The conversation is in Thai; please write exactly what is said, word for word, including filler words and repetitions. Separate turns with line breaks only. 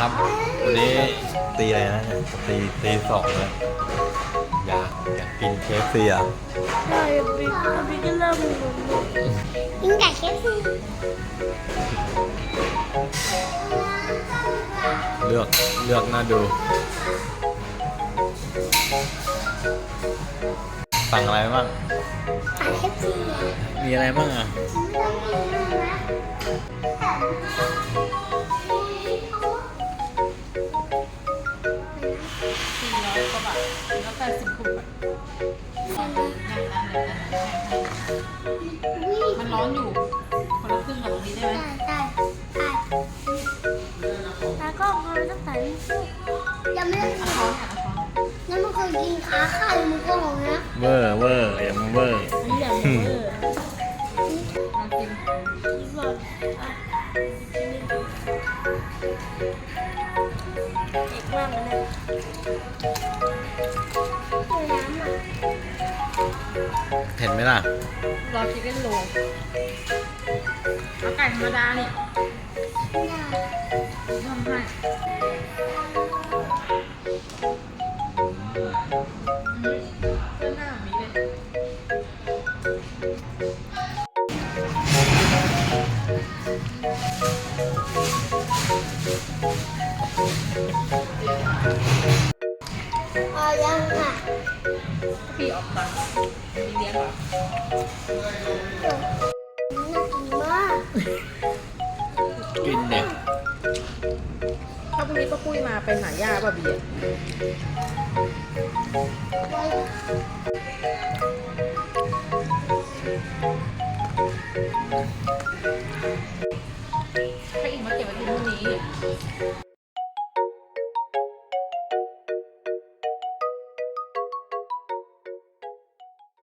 ครับวันนี้ตีอะไรนะเนี่ยตีตีสองเลยอยากอยากกินเคฟซีอ่ะ
ใช่บิ๊กบิ๊กก็เริ่มงงกินไก่เคฟซี
เลือกเลือกน่าดูสั่งอะไรบ้าง
ไก่เคฟซี
มีอะไรบ้างอ่ะ
สี่ร้อยกว่าบาทแล้วแปดสิบหกบาทมันร้อนอยู่คนละครึ่งกับตรงนี้ได้ไหม
ได้ได้ได้แล้วก็พอตั้งแต่ยังไม่ได้
เอาช้อนค่ะเอาช้อน
งั้นมันเคยกินขาไข่มันก็หงนะ
เวอร์เวอร์อย่ามาเวอร์
อันนี้อย่างเออ
มากิน
นี่ก่อนอ่ะเด็กมากเลยเนี่ยเอาน้ำอ่ะ
เห็นไหมล่ะ
รอชิคเก้นโรลเอาไก่ธรรมดาเนี่ย
ไม่ได้
ทำให้เส้นหน้าแบบนี้เลย
พอยังอ่ะ
พี่ออกตังค์มีเลี้ยงเหรอ
น่ากินมาก
กินเนี่ย
ถ้าพรุ่งนี้ป้าปุ้ยมาไปหาย่าป่ะเบียร์
ไว้